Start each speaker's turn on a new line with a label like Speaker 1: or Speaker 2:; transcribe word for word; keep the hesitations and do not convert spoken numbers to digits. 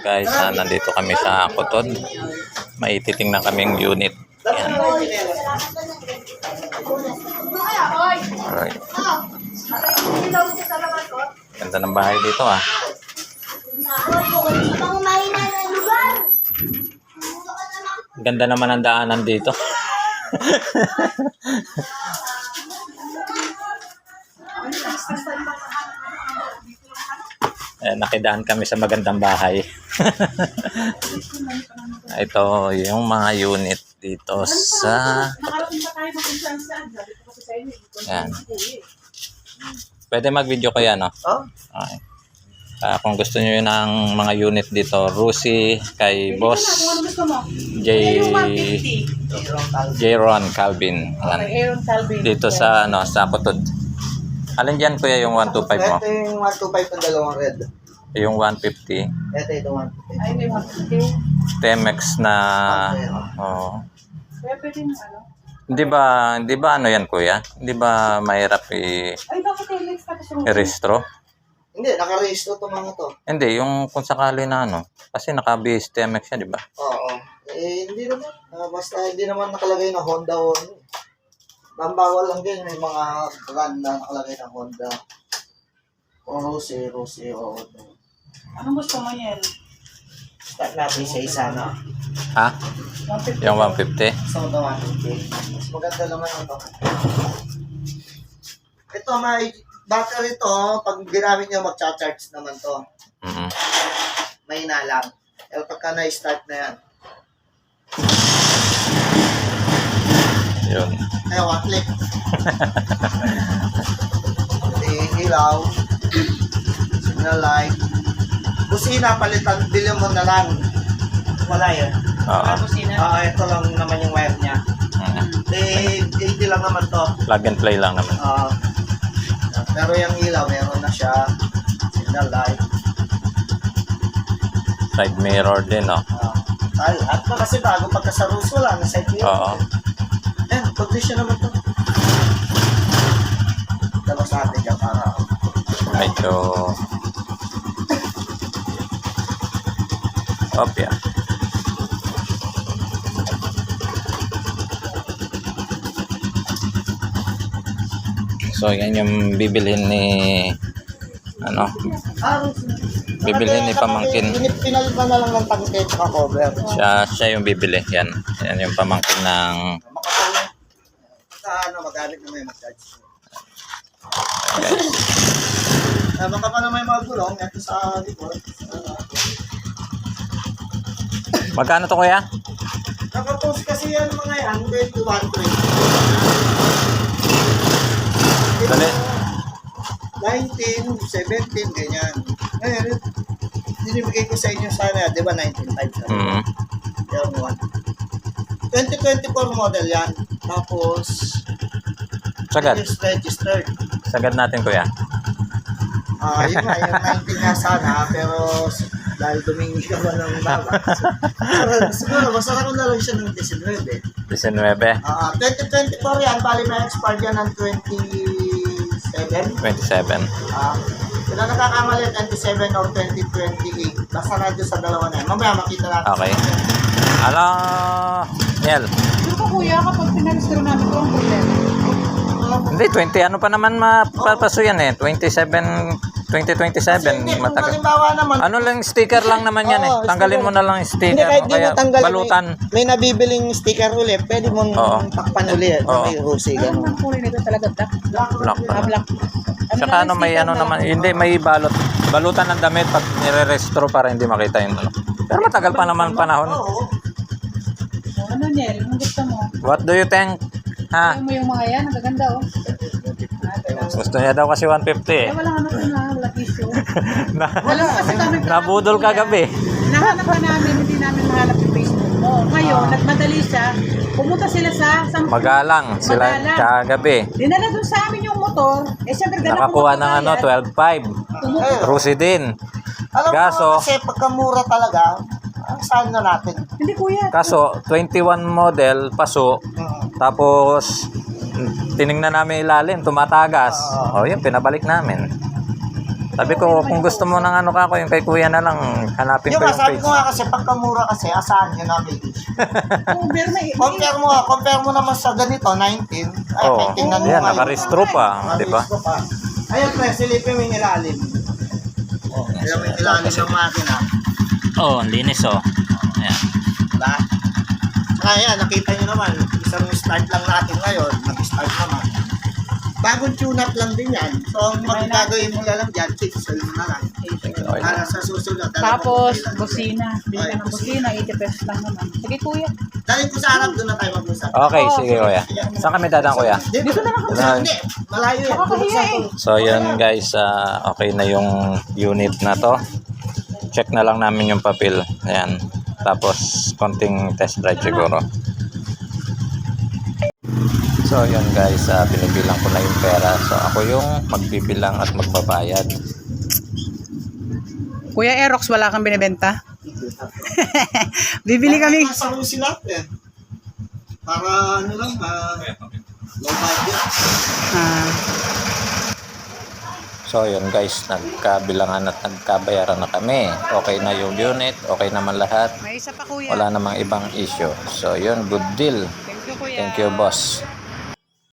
Speaker 1: guys, ah, nandito kami sa Kutod. May titingnan kaming unit. Yan. Alright. Ganda ng bahay dito ah. Ganda naman ang daanan dito. Eh, nakidaan kami sa magandang bahay. Ito yung mga unit dito sa yan. Pwede mag-video ko yan, no? Okay. Uh, kung gusto niyo ng mga unit dito, Rusi kay Boss J J-Ron Calvin. Yan. Dito sa ano, sa Kutod. Alin dyan kuya yung one twenty-five mo?
Speaker 2: Ito yung one twenty-five ng dalawang red.
Speaker 1: Yung one fifty.
Speaker 2: Ito ito one fifty.
Speaker 3: Ay, may one fifty.
Speaker 1: Temex na oh.
Speaker 3: Kaya pwede na ano?
Speaker 1: Hindi ba, hindi ba ano yan kuya? Hindi ba mahirap i
Speaker 3: Ay, bakit Temex tapos yung
Speaker 1: i-restro?
Speaker 2: Hindi, naka-register to mga to.
Speaker 1: Hindi, yung kung sakali na ano. Kasi naka-base Temex yan, di ba?
Speaker 2: Oo. Eh, hindi naman. Uh, basta hindi naman nakalagay na Honda o ano. Ang bawal lang din, may mga brand na nakalagay na Honda. O Rose, Rose, o ano.
Speaker 3: Anong gusto mo yan?
Speaker 2: Start natin sa isa na.
Speaker 1: Ha?
Speaker 3: one fifty.
Speaker 1: Yung one fifty?
Speaker 2: Gusto mo ito one fifty. Mas maganda naman ito. Ito, may battery to. Pag ginamit nyo, mag-charge naman to.
Speaker 1: Mm-hmm.
Speaker 2: May na lang. Pero pagka na-start na yan.
Speaker 1: Yun.
Speaker 2: Ay, one click. Ilaw. Signal light. Busina, palitan. Bilhin mo na lang. Wala yan.
Speaker 1: Oo.
Speaker 2: Ah, ito lang naman yung wire niya.
Speaker 1: Mm-hmm.
Speaker 2: Eh, eighty lang naman to.
Speaker 1: Plug and play lang naman.
Speaker 2: Ah, pero yung ilaw, meron na siya. Signal light.
Speaker 1: Side mirror din, no?
Speaker 2: Ah, ay, at na kasi bago pagka sa rules, wala na side mirror.
Speaker 1: Oo.
Speaker 2: Ayan, condition naman to. Dalos natin dyan para.
Speaker 1: Medyo opya. So yan yung bibilhin ni ano,
Speaker 2: Ah, rules.
Speaker 1: bibilhin ni pamangkin.
Speaker 2: Pinalitan na lang ng tangke at cover.
Speaker 1: Siya, siya yung bibili. Yan. Yan yung pamangkin ng
Speaker 2: Makapalong. Sa ano, magamit na may massage.
Speaker 1: guys.
Speaker 2: Uh, baka pa na may mga gulong, ito sa likod.
Speaker 1: Magkano to kuya?
Speaker 2: Nakapost kasi yan mga yan, twenty-one, twenty.
Speaker 1: Dali.
Speaker 2: nineteen, seventeen, ganyan. Ngayon, dinibigay ko sa inyo sana, di ba, nineteen five sana.
Speaker 1: Mm.
Speaker 2: Yan, one. twenty twenty-four model yan. Tapos,
Speaker 1: Sagad.
Speaker 2: is registered.
Speaker 1: Sagad natin kuya.
Speaker 2: Ah, yun nga, yung nineteen nga sana, pero dahil dumingi ka ba ng baba. So, siguro, masarap ko na lang siya ng nineteen.
Speaker 1: nineteen.
Speaker 2: Ah, twenty twenty-four yan, bali may expire yan ng twenty-seven.
Speaker 1: twenty-seven.
Speaker 2: Ah, kung na nakakamali, twenty-seven or twenty twenty-eight. Basta na dyan sa dalawa na yan. Mamaya makita natin.
Speaker 1: Okay. Ala, Niel.
Speaker 3: Ano pa kuya kapag pinarestro namin ito ang problema?
Speaker 1: Hindi, twenty ano pa naman mapapaso yan eh. twenty-seven, twenty twenty-seven.
Speaker 2: Hindi, kung
Speaker 1: Matagal.
Speaker 2: halimbawa naman,
Speaker 1: Ano lang, sticker lang naman yan eh.
Speaker 2: Oo,
Speaker 1: Tanggalin mo
Speaker 2: sticker.
Speaker 1: na lang yung
Speaker 2: hindi
Speaker 1: sticker.
Speaker 2: kahit
Speaker 1: O
Speaker 2: di mo
Speaker 1: kaya
Speaker 2: tanggalin,
Speaker 1: balutan.
Speaker 2: may, may nabibiling sticker ulit, pwede mong
Speaker 1: Oo.
Speaker 2: takpan ulit.
Speaker 1: Oo.
Speaker 2: May Rosy,
Speaker 3: Ano
Speaker 2: gano'n.
Speaker 3: ang kulay nito talaga? Black?
Speaker 1: Black pa.
Speaker 3: Ah, black.
Speaker 1: Saka ano, may ano naman. Hindi, may balot. Balutan ng damit pag nire-restro para hindi makita yung ano. Pero matagal pa naman panahon.
Speaker 2: Oo.
Speaker 3: Ano Niel? Anong gusto mo?
Speaker 1: What do you think? Ha?
Speaker 3: Ayaw mo yung mga yan? Ang gaganda oh. Ah, ito lang.
Speaker 1: Gusto niya daw kasi one fifty
Speaker 3: Eh,
Speaker 1: eh.
Speaker 3: walang ano ito na. Wala issue.
Speaker 1: Na,
Speaker 3: Wala kasi kami.
Speaker 1: nabudol kagabi.
Speaker 3: Nahanap ka namin, hindi namin mahanap yung Facebook mo. Ngayon, nagmadali siya. Pumunta sila sa... sa
Speaker 1: Magalang sila
Speaker 3: Magalang.
Speaker 1: kagabi.
Speaker 3: Dinala doon sa amin yung motor. Eh, syempre, ganun
Speaker 1: Nakakuha ng ano, twelve five. Rusi din.
Speaker 2: Alam
Speaker 1: Gaso-
Speaker 2: mo kasi pagkamura talaga, ang saan na natin.
Speaker 3: Hindi kuya.
Speaker 1: Kaso, twenty-one model, paso.
Speaker 2: Hmm.
Speaker 1: Tapos, tiningnan namin ilalim, tumatagas. O, yun, pinabalik namin. Sabi ko, kung gusto mo ng ano ka ko, yung kay kuya na lang, hanapin
Speaker 2: Yung
Speaker 1: ko
Speaker 2: nga,
Speaker 1: yung
Speaker 2: sabi
Speaker 1: page.
Speaker 2: ko nga kasi, pagkamura kasi, asahan nyo namin.
Speaker 3: Oo, pero may...
Speaker 2: Compare mo nga, compare mo naman sa ganito, nineteen. Ay,
Speaker 1: Oo,
Speaker 2: tingnan mo
Speaker 1: yan,
Speaker 2: ngayon.
Speaker 1: nakarestro pa, di ba?
Speaker 2: Nakaresto pa. Ayun, pre, silipin mo yung ilalim. Oh, kaya may ilalim ng makina.
Speaker 1: Oh, ang linis oh. Ayan.
Speaker 2: Diba? Kaya, nakita nyo naman, isang start lang natin ngayon, nag-start naman. Bagong tune-up lang din yan. So, ang magagawin mo lang dyan, pixel mo na lang.
Speaker 1: Okay.
Speaker 2: Para sa susunod.
Speaker 3: Tapos,
Speaker 2: talagang
Speaker 3: busina. Bili ka ng busina, eighty pesos lang naman. Sige, kuya.
Speaker 2: Dahil ko sa harap, doon na tayo mag-usap.
Speaker 1: Okay, sige kuya. Saan kami dadaan kuya?
Speaker 2: Dito na lang kami.
Speaker 1: Dito.
Speaker 2: Hindi, malayo yan.
Speaker 3: Nakakahiya eh.
Speaker 1: So yun guys, ah, okay na yung unit na to. Check na lang namin yung papel. Ayan. Tapos konting test drive siguro. So yun guys, ah, binibilang ko na yung pera. So ako yung magbibilang at magbabayad.
Speaker 3: Kuya Aerox, wala kang binibenta? Bibili kami.
Speaker 2: Sa Rusi natin. Para ano lang, ah, low budget.
Speaker 3: Ah,
Speaker 1: So yun guys, nagkabilangan at nagkabayaran na kami. Okay na yung unit, okay naman lahat.
Speaker 3: may isa pa kuya.
Speaker 1: Wala namang ibang issue. So yun, good deal.
Speaker 3: Thank you kuya.
Speaker 1: Thank you boss.